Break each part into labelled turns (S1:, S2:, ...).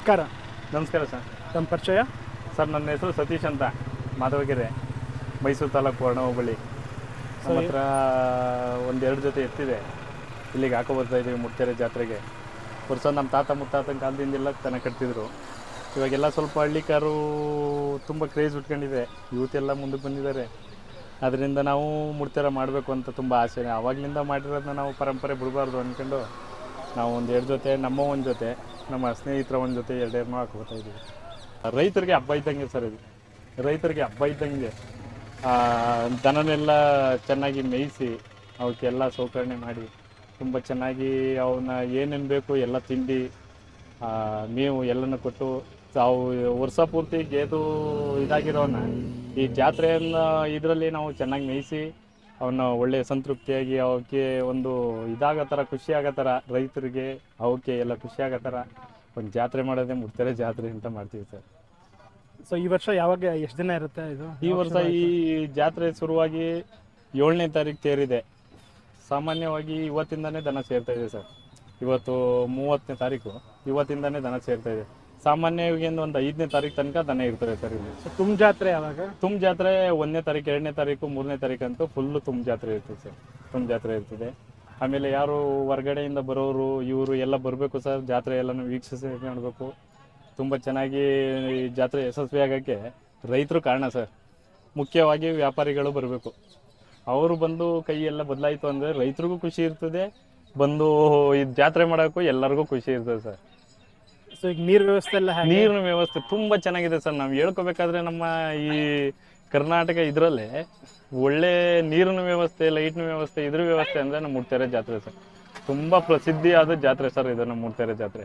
S1: ನಮಸ್ಕಾರ.
S2: ನಮಸ್ಕಾರ ಸರ್.
S1: ತಮ್ಮ ಪರಿಚಯ?
S2: ಸರ್, ನನ್ನ ಹೆಸರು ಸತೀಶ್ ಅಂತ, ಮಾಧವಗೆರೆ, ಮೈಸೂರು ತಾಲೂಕು ವರ್ಣ ಹೋಬಳಿ. ನಮ್ಮ ಹತ್ರ ಒಂದೆರಡು ಜೊತೆ ಎತ್ತಿದೆ. ಇಲ್ಲಿಗೆ ಹಾಕೋ ಬರ್ತಾ ಇದ್ದೀವಿ ಮುಡ್ತೆರೆ ಜಾತ್ರೆಗೆ. ವರ್ಷ ನಮ್ಮ ತಾತ ಮುತ್ತಾತನ ಕಾಲದಿಂದೆಲ್ಲ ದನ ಕಟ್ತಿದ್ರು. ಇವಾಗೆಲ್ಲ ಸ್ವಲ್ಪ ಹಳ್ಳಿಕಾರು ತುಂಬ ಕ್ರೇಜ್ ಉಟ್ಕೊಂಡಿದೆ, ಯೂತ್ ಎಲ್ಲ ಮುಂದಕ್ಕೆ ಬಂದಿದ್ದಾರೆ. ಅದರಿಂದ ನಾವು ಮುಡ್ತೆರೆ ಮಾಡಬೇಕು ಅಂತ ತುಂಬ ಆಸೆ. ಆವಾಗಲಿಂದ ಮಾಡಿರೋದನ್ನ ನಾವು ಪರಂಪರೆ ಬಿಡಬಾರ್ದು ಅಂದ್ಕೊಂಡು ನಾವು ಒಂದೆರಡು ಜೊತೆ, ನಮ್ಮ ಒಂದು ಜೊತೆ, ನಮ್ಮ ಸ್ನೇಹಿತರ ಒಂದು ಜೊತೆ ಎರಡೆರಡು ಹಾಕೋತಾ ಇದ್ದೀವಿ. ರೈತರಿಗೆ ಹಬ್ಬ ಇದ್ದಂಗೆ ಸರ್ ಇದು. ರೈತರಿಗೆ ಹಬ್ಬ ಇದ್ದಂಗೆ ದನನೆಲ್ಲ ಚೆನ್ನಾಗಿ ಮೇಯಿಸಿ ಅವಕ್ಕೆಲ್ಲ ಸೌಕರ್ಯ ಮಾಡಿ ತುಂಬ ಚೆನ್ನಾಗಿ ಅವನ್ನ ಏನೇನು ಬೇಕು ಎಲ್ಲ ತಿಂಡಿ ಮೇವು ಎಲ್ಲನೂ ಕೊಟ್ಟು ತಾವು ವರ್ಷ ಪೂರ್ತಿ ಗೇದು ಇದಾಗಿರೋನ ಈ ಜಾತ್ರೆಯನ್ನು ಇದರಲ್ಲಿ ನಾವು ಚೆನ್ನಾಗಿ ಮೇಯಿಸಿ ಅವನ್ನ ಒಳ್ಳೆಯ ಸಂತೃಪ್ತಿಯಾಗಿ ಅವಕ್ಕೆ ಒಂದು ಇದಾಗೋ ಥರ, ಖುಷಿ ಆಗೋ ಥರ, ರೈತರಿಗೆ ಅವಕ್ಕೆ ಎಲ್ಲ ಖುಷಿ ಆಗೋ ಥರ ಒಂದು ಜಾತ್ರೆ ಮಾಡೋದೇ ಮುಡ್ತೆರೆ ಜಾತ್ರೆ ಅಂತ ಮಾಡ್ತೀವಿ ಸರ್.
S1: ಸೊ ಈ ವರ್ಷ ಯಾವಾಗ ಎಷ್ಟು ದಿನ ಇರುತ್ತೆ ಇದು?
S2: ಈ ವರ್ಷ ಈ ಜಾತ್ರೆ ಶುರುವಾಗಿ 7ನೇ ತಾರೀಕು ತೇರಿದೆ. ಸಾಮಾನ್ಯವಾಗಿ ಇವತ್ತಿಂದನೇ ದನ ಸೇರ್ತಾ ಇದೆ ಸರ್. ಇವತ್ತು 30ನೇ ತಾರೀಕು, ಇವತ್ತಿಂದನೇ ದನ ಸೇರ್ತಾ ಇದೆ. ಸಾಮಾನ್ಯವಾಗಿ ಒಂದು 5ನೇ ತಾರೀಕು ತನಕ ದನ ಇರ್ತದೆ ಸರ್ ಇಲ್ಲಿ.
S1: ತುಂಬ ಜಾತ್ರೆ ಯಾವಾಗ?
S2: ತುಂಬ ಜಾತ್ರೆ 1ನೇ ತಾರೀಕು, 2ನೇ ತಾರೀಕು, 3ನೇ ತಾರೀಕು ಅಂತೂ ಫುಲ್ಲು ತುಂಬ ಜಾತ್ರೆ ಇರ್ತದೆ ಸರ್. ತುಂಬ ಜಾತ್ರೆ ಇರ್ತದೆ. ಆಮೇಲೆ ಯಾರು ಹೊರಗಡೆಯಿಂದ ಬರೋರು ಇವರು ಎಲ್ಲ ಬರಬೇಕು ಸರ್. ಜಾತ್ರೆ ಎಲ್ಲನೂ ವೀಕ್ಷಿಸಿ ಮಾಡಬೇಕು. ತುಂಬ ಚೆನ್ನಾಗಿ ಈ ಜಾತ್ರೆ ಯಶಸ್ವಿ ಆಗೋಕ್ಕೆ ರೈತರು ಕಾರಣ ಸರ್. ಮುಖ್ಯವಾಗಿ ವ್ಯಾಪಾರಿಗಳು ಬರಬೇಕು. ಅವರು ಬಂದು ಕೈ ಎಲ್ಲ ಬದಲಾಯಿತು ಅಂದರೆ ರೈತರಿಗೂ ಖುಷಿ ಇರ್ತದೆ, ಬಂದು ಈ ಜಾತ್ರೆ ಮಾಡೋಕ್ಕೂ ಎಲ್ಲರಿಗೂ ಖುಷಿ ಇರ್ತದೆ ಸರ್.
S1: ಸೊ ಈಗ ನೀರು ವ್ಯವಸ್ಥೆ ಎಲ್ಲ?
S2: ನೀರಿನ ವ್ಯವಸ್ಥೆ ತುಂಬ ಚೆನ್ನಾಗಿದೆ ಸರ್. ನಾವು ಹೇಳ್ಕೊಬೇಕಾದ್ರೆ ನಮ್ಮ ಈ ಕರ್ನಾಟಕ ಇದರಲ್ಲೇ ಒಳ್ಳೆ ನೀರಿನ ವ್ಯವಸ್ಥೆ, ಲೈಟ್ನ ವ್ಯವಸ್ಥೆ, ಇದ್ರ ವ್ಯವಸ್ಥೆ ಅಂದರೆ ನಮ್ಮ ಮುಡ್ತೆರೆ ಜಾತ್ರೆ ಸರ್. ತುಂಬ ಪ್ರಸಿದ್ಧಿಯಾದ ಜಾತ್ರೆ ಸರ್ ಇದು ನಮ್ಮ ಮುಡ್ತೆರೆ ಜಾತ್ರೆ.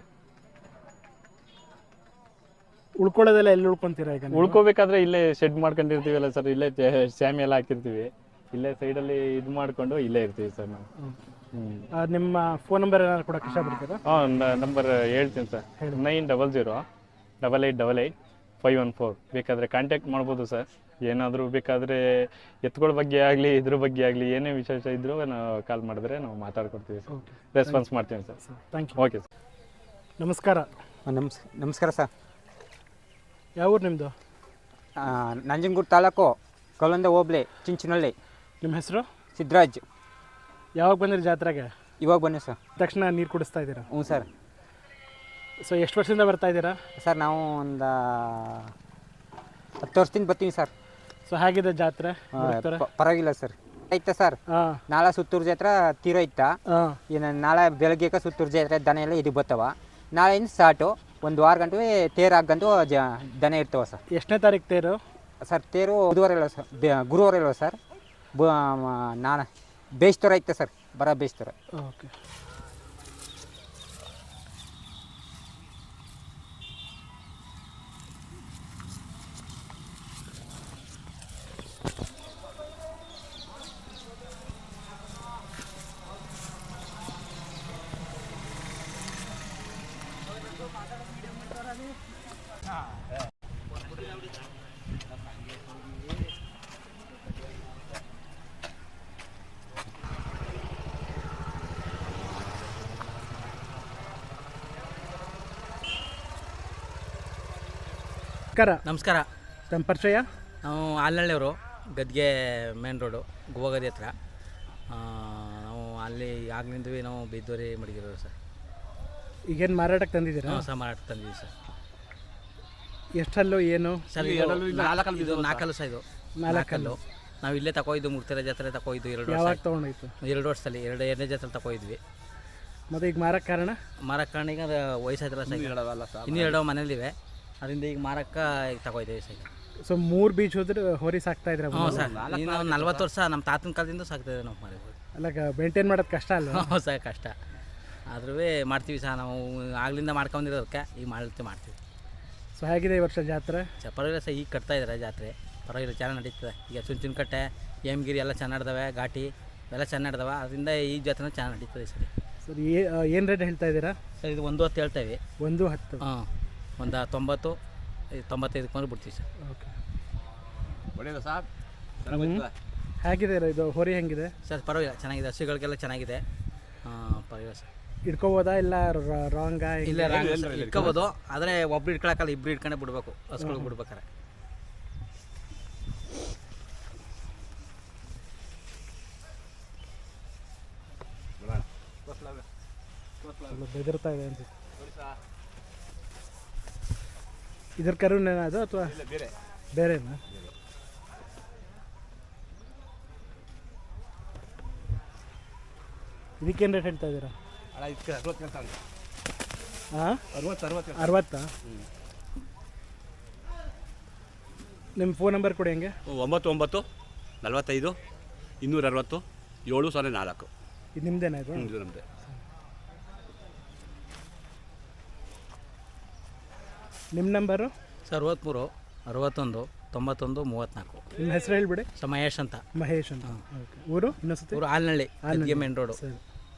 S1: ಉಳ್ಕೊಳ್ಳೋದೆಲ್ಲ ಎಲ್ಲಿ ಉಳ್ಕೊಂತೀರಾ ಈಗ?
S2: ಉಳ್ಕೋಬೇಕಾದ್ರೆ ಇಲ್ಲೇ ಶೆಡ್ ಮಾಡ್ಕೊಂಡಿರ್ತೀವಲ್ಲ ಸರ್, ಇಲ್ಲೇ ಸ್ಯಾಮಿ ಎಲ್ಲ ಹಾಕಿರ್ತೀವಿ. ಇಲ್ಲೇ ಸೈಡಲ್ಲಿ ಇದು ಮಾಡಿಕೊಂಡು ಇಲ್ಲೇ ಇರ್ತೀವಿ ಸರ್ ನಾವು.
S1: ನಿಮ್ಮ ಫೋನ್ ನಂಬರ್ ಏನಾದ್ರು ಕೊಡೋಕೆ ಇಷ್ಟಪಡ್ತೀರಾ?
S2: ನಂಬರ್ ಹೇಳ್ತೀನಿ ಸರ್. 9008888514. ಬೇಕಾದರೆ ಕಾಂಟ್ಯಾಕ್ಟ್ ಮಾಡ್ಬೋದು ಸರ್. ಏನಾದರೂ ಬೇಕಾದರೆ ಎತ್ತುಗಳ ಬಗ್ಗೆ ಆಗಲಿ, ಇದ್ರ ಬಗ್ಗೆ ಆಗಲಿ ಏನೇ ವಿಶೇಷ ಇದ್ದರೂ ನಾವು ಕಾಲ್ ಮಾಡಿದ್ರೆ ನಾವು ಮಾತಾಡ್ಕೊಡ್ತೀವಿ ಸರ್. ರೆಸ್ಪಾನ್ಸ್ ಮಾಡ್ತೀವಿ sir.
S1: Thank you.
S2: Okay sir.
S1: ನಮಸ್ಕಾರ.
S3: ನಮಸ್ಕಾರ ಸರ್.
S1: ಯಾವ ಊರು ನಿಮ್ಮದು?
S3: ನಂಜನಗೂಡು ತಾಲೂಕು, ಕಲ್ಲೊಂದೆ ಹೋಬಳಿ, ಚಿಂಚನಹಳ್ಳಿ.
S1: ನಿಮ್ಮ ಹೆಸರು?
S3: ಸಿದ್ದರಾಜ್.
S1: ಯಾವಾಗ ಬಂದಿರಿ ಜಾತ್ರೆಗೆ?
S3: ಇವಾಗ ಬನ್ನಿ ಸರ್.
S1: ತಕ್ಷಣ ನೀರು ಕುಡಿಸ್ತಾ ಇದ್ದೀರಾ?
S3: ಹ್ಞೂ ಸರ್.
S1: ಸೊ ಎಷ್ಟು ವರ್ಷದಿಂದ ಬರ್ತಾ ಇದ್ದೀರಾ
S3: ಸರ್? ನಾವು ಒಂದು 10 ವರ್ಷದಿಂದ ಬರ್ತೀವಿ ಸರ್.
S1: ಸೊ ಹೇಗಿದೆ ಜಾತ್ರೆ?
S3: ಪರವಾಗಿಲ್ಲ ಸರ್. ಐತೆ ಸರ್. ನಾಳೆ ಸುತ್ತೂರು ಜಾತ್ರೆ ತೀರೋಯ್ತಾ. ಇನ್ನು ನಾಳೆ ಬೆಳಗ್ಗೆ ಸುತ್ತೂರು ಜಾತ್ರೆ ದನ ಎಲ್ಲ ಇದು ಬರ್ತಾವ. ನಾಳೆಯಿಂದ ಸ್ಟಾರ್ಟು ಒಂದು ವಾರ ಗಂಟೆ ತೇರು ಹಾಕಂತೂ ದನ ಇರ್ತವೆ ಸರ್.
S1: ಎಷ್ಟನೇ ತಾರೀಕು ತೇರು
S3: ಸರ್? ತೇರು ಬುಧವಾರ ಇಲ್ಲ ಸರ್, ಗುರುವಾರ ಇಲ್ಲ ಸರ್. ನಾನು ಬೇಯಿಸ್ತಾರ ಐತೆ ಸರ್, ಬರೋ ಬೇಯಿಸ್ತಾರ.
S1: ಓಕೆ.
S4: ನಮಸ್ಕಾರ.
S1: ತಮ್ಮ ಪರಿಚಯ?
S4: ನಾವು ಆಲ್ನಳ್ಳಿಯವರು, ಗದ್ಗೆ ಮೇನ್ ರೋಡು, ಗೋವಾಗದಿ ಹತ್ರ. ನಾವು ಅಲ್ಲಿ ಆಗ್ಲಿಂದ್ವಿ ನಾವು ಬಿದ್ದೋರಿ ಮಡಗಿರೋರು ಸರ್.
S1: ಈಗೇನು ಮಾರಾಟಕ್ಕೆ ತಂದಿದ್ದೀರಾ?
S4: ನಾವು ಸಹ ಮಾರಾಟಕ್ಕೆ ತಂದಿದ್ದೀವಿ ಸರ್.
S1: ಎಷ್ಟಲ್ಲೂ ಏನು
S4: ಸರ್? ಇದು 4 ಸಹ. ಇದು 4 ನಾವು ಇಲ್ಲೇ ತಗೋಯ್ದು, ಮುಡ್ತೆರೆ ಜಾತ್ರೆ ತಗೋಯ್ದು 2 ವರ್ಷ.
S1: ಯಾವಾಗ ತೊಗೊಂಡೋಯ್ತು?
S4: 2 ವರ್ಷದಲ್ಲಿ 2ನೇ ಜಾತ್ರೆ ತಗೋಯಿದ್ವಿ.
S1: ಮತ್ತು ಈಗ ಮಾರಕ್ಕೆ ಕಾರಣ?
S4: ಮಾರಕ್ಕೆ ಕಾರಣ ಈಗ ವಯಸ್ಸಾಯ್ತಲ್ಲ ಸರ್, ಇನ್ನೂ 2 ಮನೇಲಿವೆ. ಅದರಿಂದ ಈಗ ಮಾರಕ್ಕೆ ಈಗ ತಗೋಯ್ತೀವಿ ಸರ್.
S1: ಸೊ 3 ಬೀಚ್ ಹೋದ್ರೆ ಹೋರಿ ಸಾಕ್ತಾ ಇದ್ರೆ?
S4: ಹ್ಞೂ ಸರ್. ಇನ್ನು 40 ವರ್ಷ ನಮ್ಮ ತಾತನ ಕಾಲದಿಂದ ಸಾಕ್ತಾಯಿದ್ದೆ ನಾವು ಮಾರಿ.
S1: ಅಲ್ಲ, ಮೇಂಟೈನ್ ಮಾಡೋದು ಕಷ್ಟ ಅಲ್ಲ?
S4: ಹ್ಞೂ ಸರ್, ಕಷ್ಟ. ಆದ್ರೂ ಮಾಡ್ತೀವಿ ಸರ್. ನಾವು ಆಗ್ಲಿಂದ ಮಾಡ್ಕೊಂಡಿರೋದಕ್ಕೆ ಈಗ ಮಾಡ್ತೀವಿ.
S1: ಸೊ ಹೇಗಿದೆ ಈ ವರ್ಷ ಜಾತ್ರೆ?
S4: ಪರವಾಗಿಲ್ಲ ಸರ್. ಈಗ ಕಟ್ತಾ ಇದ್ದಾರೆ ಜಾತ್ರೆ, ಪರವಾಗಿಲ್ಲ, ಚೆನ್ನಾಗಿ ನಡೀತದೆ. ಈಗ ಚುಂಚನಕಟ್ಟೆ, ಹೇಮಗಿರಿ ಎಲ್ಲ ಚೆನ್ನಾಗಿ ನಡೆದವೆ, ಘಾಟಿ ಎಲ್ಲ ಚೆನ್ನಾಗಿ ನಡೆದವೆ. ಅದರಿಂದ ಈ ಜಾತ್ರೆ ಚೆನ್ನಾಗಿ ನಡೀತದೆ ಸರ್.
S1: ಸರ್ ಏನು ರೇಟ್ ಹೇಳ್ತಾ ಇದ್ದೀರಾ
S4: ಸರ್? ಇದು 110 ಹೇಳ್ತೇವೆ.
S1: 110?
S4: ಹಾಂ, ಒಂದು 90-95 ಕೊಂಡು ಬಿಡ್ತೀವಿ ಸರ್.
S1: ಓಕೆ.
S3: ಒಳ್ಳೆಯದು ಸರ್.
S1: ಹೇಗಿದೆ ಇದು ಹೋರಿ? ಹೆಂಗಿದೆ
S4: ಸರ್? ಪರವಾಗಿಲ್ಲ, ಚೆನ್ನಾಗಿದೆ. ಹಸುಗಳಿಗೆಲ್ಲ ಚೆನ್ನಾಗಿದೆ. ಪರವಾಗಿಲ್ಲ ಸರ್.
S1: ಇಟ್ಕೋಬೋದಾ ಇಲ್ಲ ರಾಂಗ?
S4: ಇಲ್ಲ ಇಟ್ಕೋಬೋದು, ಆದರೆ ಒಬ್ರು ಇಟ್ಕೊಳಕ್ಕಲ್ಲ, ಇಬ್ರು ಇಟ್ಕೊಂಡೆ ಬಿಡ್ಬೇಕು ಹಸುಗಳು ಬಿಡ್ಬೇಕಾರೆ.
S1: ಬೆದರ್ತಾ ಇದೆ ಅನ್ಸುತ್ತೆ. ಇದ್ರ ಕರುನೇನಾ ಅದು ಅಥವಾ ಬೇರೆನಾ? ಇದಕ್ಕೇನು ರೇಟ್ ಹೇಳ್ತಾ ಇದ್ದೀರಾ? ಹಾಂ, 60. ನಿಮ್ಮ ಫೋನ್ ನಂಬರ್ ಕೊಡಿ ಹೆಂಗೆ?
S5: 99 45 260 704.
S1: ಇದು ನಿಮ್ಮದೇನಾ ಇದು?
S5: ಇದು ನಮ್ಮದೇ.
S1: ನಿಮ್ಮ ನಂಬರು?
S4: 63 61 91 34.
S1: ನಿಮ್ಮ ಹೆಸರು ಹೇಳ್ಬಿಡಿ.
S4: ಮಹೇಶ್ ಅಂತ.
S1: ಮಹೇಶ್ ಅಂತ. ಓಕೆ. ಊರು ಇನ್ನೊಂದ್ಸತಿ?
S4: ಊರು ಆಲ್ನಳ್ಳಿ, ಮೇನ್ ರೋಡು.
S1: ಸರಿ,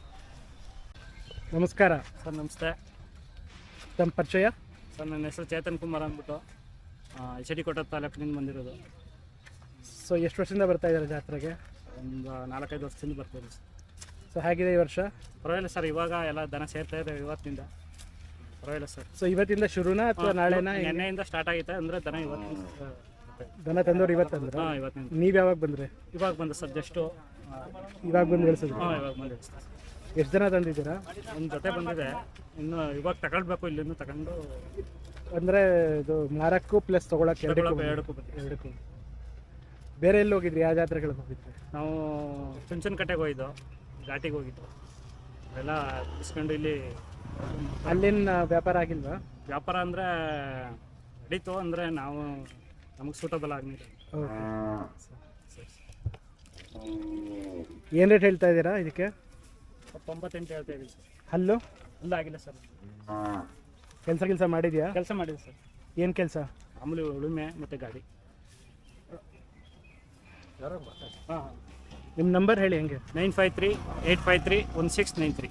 S1: ನಮಸ್ಕಾರ
S6: ಸರ್. ನಮಸ್ತೆ.
S1: ತಮ್ಮ ಪರಿಚಯ?
S6: ಸರ್, ನನ್ನ ಹೆಸರು ಚೇತನ್ ಕುಮಾರ್ ಅಂದ್ಬಿಟ್ಟು HDಕೋಟೆ ತಾಲೂಕಿನಿಂದ ಬಂದಿರೋದು.
S1: ಸೊ ಎಷ್ಟು ವರ್ಷದಿಂದ ಬರ್ತಾ ಇದ್ದಾರೆ ಜಾತ್ರೆಗೆ?
S6: ಒಂದು 4-5 ವರ್ಷದಿಂದ ಬರ್ತೀವಿ ಸರ್.
S1: ಸೊ ಹೇಗಿದೆ ಈ ವರ್ಷ?
S6: ಪರವಾಗಿಲ್ಲ ಸರ್, ಇವಾಗ ಎಲ್ಲ ದನ ಸೇರ್ತಾ ಇದೆ ಇವತ್ತಿನಿಂದ. ಪರವಾಗಿಲ್ಲ ಸರ್.
S1: ಸೊ ಇವತ್ತಿಂದ ಶುರುನಾ ಅಥವಾ ನಾಳೆನಾ?
S6: ನೆನ್ನೆಯಿಂದ ಸ್ಟಾರ್ಟ್ ಆಗೈತೆ ಅಂದರೆ ದನ ಇವತ್ತಿನ
S1: ದನ ತಂದವ್ರು ಇವತ್ತಂದ್ರೆ?
S6: ಹಾಂ, ಇವತ್ತಿನಿಂದ.
S1: ನೀವು ಯಾವಾಗ ಬಂದರೆ?
S6: ಇವಾಗ ಬಂದ ಸರ್, ಜಸ್ಟು
S1: ಇವಾಗ ಬಂದು ಇಳಿಸಿದ್ರು?
S6: ಹಾಂ, ಇವಾಗ ಬಂದು ಸರ್.
S1: ಎಷ್ಟು ಜನ ತಂದಿದ್ದೀರಾ?
S6: ಒಂದು ಜೊತೆ ಬಂದಿದೆ, ಇನ್ನು ಇವಾಗ ತಗೊಳ್ಬೇಕು, ಇಲ್ಲಿಂದ ತಗೊಂಡು
S1: ಅಂದರೆ ಇದು ಮಾರಕ್ಕೂ ಪ್ಲಸ್ ತೊಗೊಳಕ್ಕೆ
S6: ಎರಡಕ್ಕೂ
S1: ಎರಡಕ್ಕೂ. ಬೇರೆ ಎಲ್ಲಿ ಹೋಗಿದ್ರಿ? ಯಾವ ಜಾತ್ರೆಗಳಿಗೆ ಹೋಗಿದ್ರಿ?
S6: ನಾವು ಚುಂಚನಕಟ್ಟೆಗೆ ಹೋಗಿದ್ದು, ಘಾಟಿಗೆ ಹೋಗಿದ್ದು, ಎಲ್ಲ ಇಸ್ಕೊಂಡು ಇಲ್ಲಿ.
S1: ಅಲ್ಲಿನ ವ್ಯಾಪಾರ ಆಗಿಲ್ವಾ?
S6: ವ್ಯಾಪಾರ ಅಂದರೆ ನಡೀತು, ಅಂದರೆ ನಾವು ನಮಗೆ ಸೂಟಬಲ್ ಆಗಲಿಲ್ಲ.
S1: ಓಕೆ. ಏನು ರೇಟ್ ಹೇಳ್ತಾ ಇದ್ದೀರಾ ಇದಕ್ಕೆ?
S6: 98 ಹೇಳ್ತಾ ಇದ್ದೀವಿ ಸರ್.
S1: ಹಲ್ಲು
S6: ಅಲ್ಲ, ಆಗಿಲ್ಲ ಸರ್.
S1: ಕೆಲಸ ಮಾಡಿದ್ಯಾ?
S6: ಕೆಲಸ ಮಾಡಿದೆ ಸರ್.
S1: ಏನು ಕೆಲಸ?
S6: ಮಾಮೂಲಿ ಉಳುಮೆ ಮತ್ತು ಗಾಡಿ. ಹಾಂ,
S1: ನಿಮ್ಮ ನಂಬರ್ ಹೇಳಿ ಹೆಂಗೆ?
S6: 953 853 1693.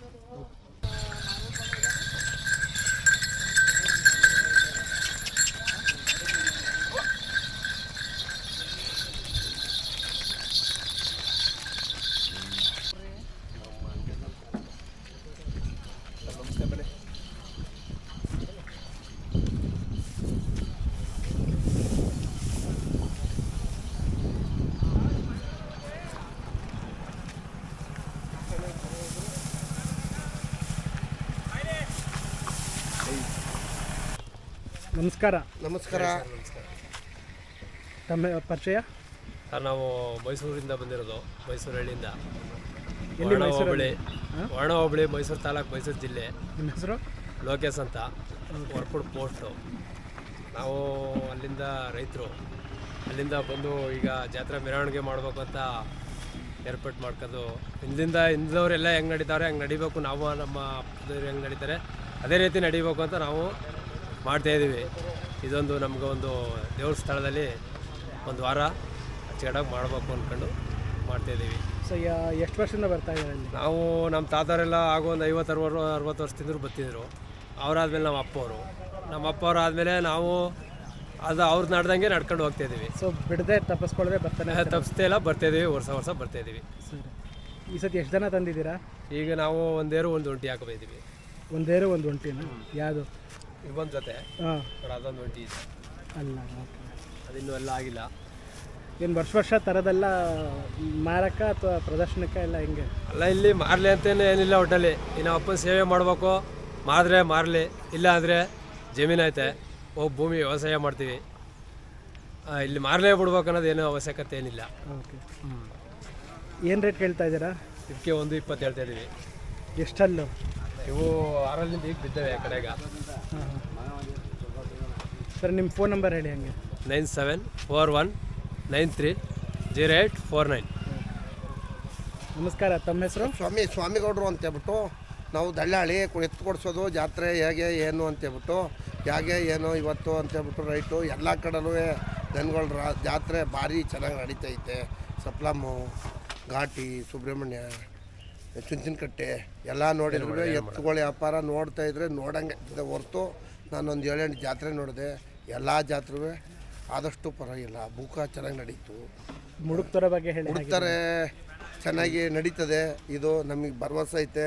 S1: ನಮಸ್ಕಾರ.
S7: ನಮಸ್ಕಾರ.
S1: ತಮ್ಮ ಪರಿಚಯ?
S8: ಸರ್, ನಾವು ಮೈಸೂರಿಂದ ಬಂದಿರೋದು, ಮೈಸೂರು ಹಳ್ಳಿಯಿಂದ.
S1: ಎಲ್ಲಿ?
S8: ವರ್ಣ ಹೋಬಳಿ, ಮೈಸೂರು ತಾಲೂಕು, ಮೈಸೂರು ಜಿಲ್ಲೆ.
S1: ನಿಮ್ಮ ಹೆಸರು?
S8: ಲೋಕೇಶ್ ಅಂತ, ವರ್ಕುಡ್ ಪೋಸ್ಟು. ನಾವು ಅಲ್ಲಿಂದ ರೈತರು, ಅಲ್ಲಿಂದ ಬಂದು ಈಗ ಜಾತ್ರೆ ಮೆರವಣಿಗೆ ಮಾಡಬೇಕು ಅಂತ ಏರ್ಪಾಟ್ ಮಾಡ್ಕೊಂಡು ಹಿಂದವರೆಲ್ಲ ಹೆಂಗೆ ನಡೀತಾರೆ ಹಂಗೆ ನಡಿಬೇಕು, ನಾವು ನಮ್ಮ ಅಪ್ಪದವ್ರು ಹೆಂಗೆ ನಡೀತಾರೆ ಅದೇ ರೀತಿ ನಡಿಬೇಕು ಅಂತ ನಾವು ಮಾಡ್ತಾಯಿದ್ದೀವಿ. ಇದೊಂದು ನಮ್ಗೆ ಒಂದು ದೇವ್ರ ಸ್ಥಳದಲ್ಲಿ ಒಂದು ವಾರ ಅಚ್ಚುಕಟ್ಟಾಗಿ ಮಾಡಬೇಕು ಅಂದ್ಕೊಂಡು ಮಾಡ್ತಾಯಿದ್ದೀವಿ.
S1: ಸೊ ಎಷ್ಟು ವರ್ಷದಿಂದ ಬರ್ತಾ ಇದ್ದಾರೆ ಅಲ್ಲಿ?
S8: ನಾವು ನಮ್ಮ ತಾತವರೆಲ್ಲ ಆಗೋ ಒಂದು 50-60 ವರ್ಷದಿಂದ ಬರ್ತಿದ್ರು. ಅವರಾದ್ಮೇಲೆ ನಮ್ಮ ಅಪ್ಪವ್ರು ಆದಮೇಲೆ ನಾವು ಅದು ಅವ್ರು ನಡ್ದಂಗೆ ನಡ್ಕೊಂಡು ಹೋಗ್ತಾಯಿದ್ದೀವಿ.
S1: ಸೊ ಬಿಡದೆ ತಪ್ಪಿಸ್ಕೊಳ್ಳದೆ ಬರ್ತಾನೆ?
S8: ತಪ್ಪಿಸ್ತೇ ಇಲ್ಲ, ಬರ್ತಾಯಿದ್ದೀವಿ, ವರ್ಷ ಬರ್ತಾಯಿದ್ದೀವಿ.
S1: ಸರಿ. ಈ ಸತಿ ಎಷ್ಟು ಜನ ತಂದಿದ್ದೀರಾ?
S8: ಈಗ ನಾವು ಒಂದೇರು ಒಂದು ಒಂಟಿ ಹಾಕೋಬಿದ್ದೀವಿ.
S1: ಒಂದೇರು ಒಂದು ಒಂಟಿನ? ಯಾವುದು?
S8: ಇವೊಂದು ಜೊತೆ.
S1: ಹಾಂ,
S8: ಅದೊಂದು ಒಂಟಿ ಇದೆ.
S1: ಅಲ್ಲ,
S8: ಅದಿನ್ನೂ ಎಲ್ಲ ಆಗಿಲ್ಲ.
S1: ಏನು ವರ್ಷ ತರದೆಲ್ಲ ಮಾರಕ ಅಥವಾ ಪ್ರದರ್ಶನಕ್ಕೆ ಎಲ್ಲ ಹೆಂಗೆ?
S8: ಅಲ್ಲ, ಇಲ್ಲಿ ಮಾರಲಿ ಅಂತೇನು ಏನಿಲ್ಲ. ಒಟ್ಟಲ್ಲಿ ಇನ್ನು ಅಪ್ಪನ ಸೇವೆ ಮಾಡಬೇಕು, ಮಾರಿದ್ರೆ ಮಾರಲಿ, ಇಲ್ಲ ಅಂದರೆ ಜಮೀನು ಐತೆ, ಹೋಗಿ ಭೂಮಿ ವ್ಯವಸಾಯ ಮಾಡ್ತೀವಿ. ಇಲ್ಲಿ ಮಾರಲೇ ಬಿಡ್ಬೇಕು ಅನ್ನೋದೇನು ಅವಶ್ಯಕತೆ ಏನಿಲ್ಲ.
S1: ಓಕೆ. ಏನು ರೇಟ್ ಕೇಳ್ತಾ ಇದ್ದೀರಾ?
S8: ಇದಕ್ಕೆ 120 ಹೇಳ್ತಾ ಇದ್ದೀವಿ.
S1: ಎಷ್ಟಲ್ಲು?
S8: ಇವು 6ರಿಂದ ಈಗ ಬಿದ್ದೇವೆ ಆ ಕಡೆಗೆ.
S1: ಹಾಂ. ಸರ್, ನಿಮ್ಮ ಫೋನ್ ನಂಬರ್ ಹೇಳಿ ಹಂಗೆ?
S8: 9741930849.
S1: ನಮಸ್ಕಾರ. ತಮ್ಮ ಹೆಸರು?
S7: ಸ್ವಾಮಿಗೌಡರು ಅಂತೇಳ್ಬಿಟ್ಟು ನಾವು ದಳ್ಳಾಳಿ ಎತ್ತು ಕೊಡಿಸೋದು, ಜಾತ್ರೆ ಹೇಗೆ ಏನು ಅಂತೇಳ್ಬಿಟ್ಟು, ಹೇಗೆ ಏನು ಇವತ್ತು ಅಂತೇಳ್ಬಿಟ್ಟು ರೈಟು ಎಲ್ಲ ಕಡೆನೂ ದನಗಳ ಜಾತ್ರೆ ಭಾರಿ ಚೆನ್ನಾಗಿ ನಡೀತೈತೆ. ಸಪ್ಲಮ್ಮು, ಘಾಟಿ, ಸುಬ್ರಹ್ಮಣ್ಯ, ಚುಂಚನಕಟ್ಟೆ ಎಲ್ಲ ನೋಡಿದ್ರೆ ಎತ್ತುಗಳ ವ್ಯಾಪಾರ ನೋಡ್ತಾಯಿದ್ರೆ ನೋಡಂಗೆ ಹೊರ್ತು ನಾನೊಂದು 7-8 ಜಾತ್ರೆ ನೋಡಿದೆ. ಎಲ್ಲ ಜಾತ್ರೆ ಆದಷ್ಟು ಪರವಾಗಿಲ್ಲ, ಬೂಕ ಚೆನ್ನಾಗಿ ನಡೀತು.
S1: ಮುಡುಕ್ತರ ಬಗ್ಗೆ ಹೇಳಿ.
S7: ಮುಡುಕ್ತಾರೆ ಚೆನ್ನಾಗಿ ನಡೀತದೆ. ಇದು ನಮಗೆ ಭರವಸೆ ಐತೆ.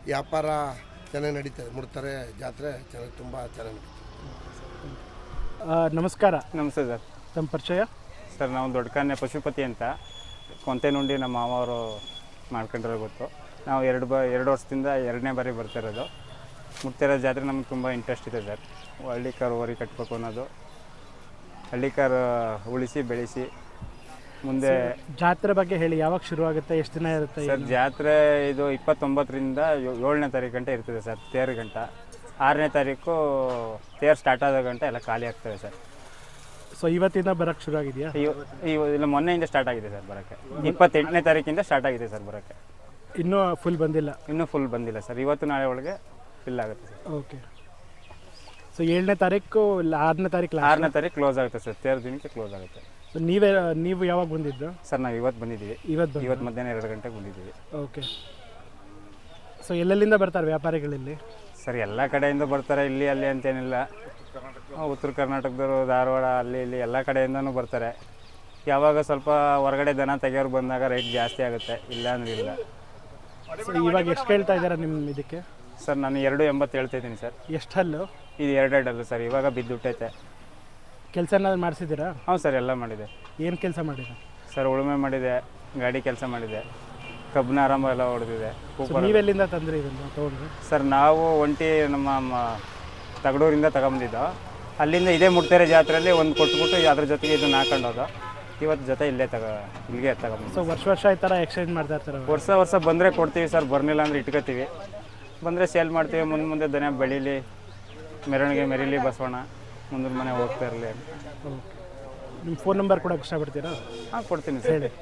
S7: ವ್ಯಾಪಾರ ಚೆನ್ನಾಗಿ ನಡೀತದೆ. ಮುಡ್ತಾರೆ ಜಾತ್ರೆ ಚೆನ್ನಾಗಿ ತುಂಬ ಚೆನ್ನಾಗಿ ನಡೀತದೆ.
S1: ನಮಸ್ಕಾರ.
S2: ನಮಸ್ತೆ ಸರ್.
S1: ತಮ್ಮ ಪರಿಚಯ?
S2: ಸರ್ ನಾವು ದೊಡ್ಡಕನ್ನೆ ಪಶುಪತಿ ಅಂತ ಕೊಂತೆನುಂಡಿ ನಮ್ಮ ಮಾವರು ಮಾಡ್ಕೊಂಡಿರೋ ಗೊತ್ತು. ನಾವು 2 ವರ್ಷದಿಂದ 2ನೇ ಬಾರಿ ಬರ್ತಿರೋದು. ಮುಡ್ತಿರೋ ಜಾತ್ರೆ ನಮ್ಗೆ ತುಂಬ ಇಂಟ್ರೆಸ್ಟ್ ಇದೆ ಸರ್. ಹಳ್ಳಿ ಕಾರು ವರಿ ಕಟ್ಟಬೇಕು ಅನ್ನೋದು, ಹಳ್ಳಿ ಕಾರು ಉಳಿಸಿ ಬೆಳೆಸಿ ಮುಂದೆ.
S1: ಜಾತ್ರೆ ಬಗ್ಗೆ ಹೇಳಿ, ಯಾವಾಗ ಶುರು ಆಗುತ್ತೆ, ಎಷ್ಟು ದಿನ ಇರುತ್ತೆ?
S2: ಸರ್ ಜಾತ್ರೆ ಇದು 29ರಿಂದ 7ನೇ ತಾರೀಕು ಗಂಟೆ ಇರ್ತದೆ ಸರ್. ತೇರು ಗಂಟ 6ನೇ ತಾರೀಕು ತೇರು ಸ್ಟಾರ್ಟ್ ಆದ ಗಂಟೆ ಎಲ್ಲ ಖಾಲಿ ಆಗ್ತದೆ ಸರ್.
S1: ಸೊ ಇವತ್ತಿಂದ ಬರೋಕ್ಕೆ ಶುರು ಆಗಿದೆಯಾ?
S2: ಇಲ್ಲ, ಮೊನ್ನೆಯಿಂದ ಸ್ಟಾರ್ಟ್ ಆಗಿದೆ ಸರ್ ಬರೋಕ್ಕೆ. 28ನೇ ತಾರೀಕಿಂದ ಸ್ಟಾರ್ಟ್ ಆಗಿದೆ ಸರ್ ಬರೋಕ್ಕೆ.
S1: ಇನ್ನೂ ಫುಲ್ ಬಂದಿಲ್ಲ?
S2: ಇನ್ನೂ ಫುಲ್ ಬಂದಿಲ್ಲ ಸರ್. ಇವತ್ತು ನಾಳೆ ಒಳಗೆ ಫಿಲ್ ಆಗುತ್ತೆ ಸರ್.
S1: ಓಕೆ. ಸೊ 7ನೇ ತಾರೀಕು ಇಲ್ಲ 6ನೇ ತಾರೀಕು?
S2: 6ನೇ ತಾರೀಕು ಕ್ಲೋಸ್ ಆಗುತ್ತೆ ಸರ್. ತೇರು ದಿನಕ್ಕೆ ಕ್ಲೋಸ್ ಆಗುತ್ತೆ.
S1: ಸೊ ನೀವು ಯಾವಾಗ ಬಂದಿದ್ದು
S2: ಸರ್? ನಾವು ಇವತ್ತು ಬಂದಿದ್ದೀವಿ. ಇವತ್ತು ಮಧ್ಯಾಹ್ನ 2 ಗಂಟೆಗೆ ಬಂದಿದ್ದೀವಿ.
S1: ಓಕೆ. ಸೊ ಎಲ್ಲೆಲ್ಲಿಂದ ಬರ್ತಾರೆ ವ್ಯಾಪಾರಿಗಳಲ್ಲಿ?
S2: ಸರ್ ಎಲ್ಲ ಕಡೆಯಿಂದ ಬರ್ತಾರೆ, ಇಲ್ಲಿ ಅಲ್ಲಿ ಅಂತೇನಿಲ್ಲ. ಉತ್ತರ ಕರ್ನಾಟಕದವರು, ಧಾರವಾಡ, ಅಲ್ಲಿ ಇಲ್ಲಿ ಎಲ್ಲ ಕಡೆಯಿಂದನೂ ಬರ್ತಾರೆ. ಯಾವಾಗ ಸ್ವಲ್ಪ ಹೊರಗಡೆ ದನ ತೆಗೆಯೋರು ಬಂದಾಗ ರೇಟ್ ಜಾಸ್ತಿ ಆಗುತ್ತೆ, ಇಲ್ಲ ಅಂದ್ರೆ ಇಲ್ಲ.
S1: ಸೊ ಇವಾಗ ಎಷ್ಟು ಕೇಳ್ತಾ ಇದ್ದೀರಾ ನಿಮ್ಮ ಇದಕ್ಕೆ?
S2: ಸರ್ ನಾನು 2.80 ಹೇಳ್ತಾ ಇದ್ದೀನಿ ಸರ್.
S1: ಎಷ್ಟು ಹಲ್ಲು?
S2: ಇದು 2 ಅಲ್ಲ ಸರ್, ಇವಾಗ ಬಿದ್ದುಬಿಟ್ಟೈತೆ.
S1: ಕೆಲಸ ಏನಾದ್ರು ಮಾಡಿಸಿದ್ದೀರಾ?
S2: ಹ್ಞೂ ಸರ್, ಎಲ್ಲ ಮಾಡಿದೆ.
S1: ಏನು ಕೆಲಸ ಮಾಡಿದೆ
S2: ಸರ್? ಉಳುಮೆ ಮಾಡಿದೆ, ಗಾಡಿ ಕೆಲಸ ಮಾಡಿದೆ, ಕಬ್ಬನ ಆರಂಭ ಎಲ್ಲ ಹೊಡೆದಿದೆ.
S1: ನೀವೆಲ್ಲಿಂದ ತಂದ್ರಿ ಇದನ್ನು ತೊಗೊಂಡ್ರಿ?
S2: ಸರ್ ನಾವು ಒಂಟಿ ನಮ್ಮ ತಗಡೂರಿಂದ ತಗೊಂಬಂದಿದ್ದು. ಅಲ್ಲಿಂದ ಇದೇ ಮುಡ್ತೆರೆ ಜಾತ್ರೆಯಲ್ಲಿ ಒಂದು ಕೊಟ್ಬಿಟ್ಟು ಅದ್ರ ಜೊತೆಗೆ ಇದನ್ನ ಹಾಕೊಂಡೋದು. ಇವತ್ತು ಜೊತೆ ಇಲ್ಲಿಗೆ ತಗೊಂಡು.
S1: ಸೊ ವರ್ಷ ಈ ಥರ ಎಕ್ಸ್ಚೇಂಜ್ ಮಾಡ್ತಾ ಇರ್ತಾರೆ?
S2: ವರ್ಷ ಬಂದರೆ ಕೊಡ್ತೀವಿ ಸರ್, ಬರ್ನಿಲ್ಲ ಅಂದರೆ ಇಟ್ಕೋತೀವಿ. ಬಂದರೆ ಸೇಲ್ ಮಾಡ್ತೀವಿ. ಮುಂದೆ ದನ ಬೆಳೀಲಿ, ಮೆರವಣಿಗೆ ಮೆರೀಲಿ, ಬಸವಣ್ಣ ಮುಂದಿನ ಮನೆ ಹೋಗ್ತಾ ಇರಲಿ.
S1: ಓಕೆ. ನಿಮ್ಮ ಫೋನ್ ನಂಬರ್ ಕೊಡೋಕೆ ಇಷ್ಟಪಡ್ತೀರಾ?
S2: ಹಾಂ, ಕೊಡ್ತೀನಿ ಸರ್. ಹೇಳಿ.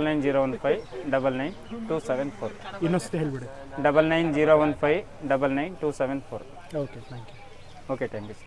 S2: 9901599274.
S1: ಇನ್ನೊಂದ್ಸತಿ ಹೇಳಿಬಿಡಿ.
S2: 9901599274.
S1: Okay, thank you.
S2: Okay, thank you.